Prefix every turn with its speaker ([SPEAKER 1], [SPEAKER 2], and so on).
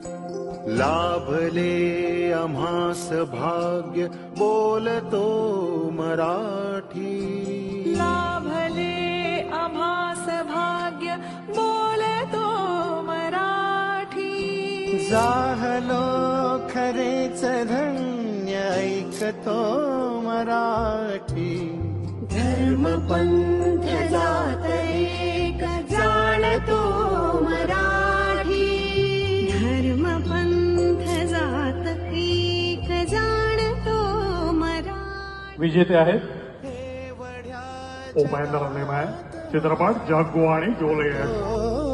[SPEAKER 1] लाभले आम्हास भाग्य बोलतो मराठी.
[SPEAKER 2] लाभले आम्हास भाग्य बोलतो मराठी.
[SPEAKER 3] जाहलो खरेच धन्य ऐकतो मराठी.
[SPEAKER 2] धर्म पंथ जात एक जाणतो मराठी. धर्म पंथ जात एक जाणतो मराठी.
[SPEAKER 4] विजेते आहेत उपेंद्र निमय, चित्रपट जग्गू आणि जोले.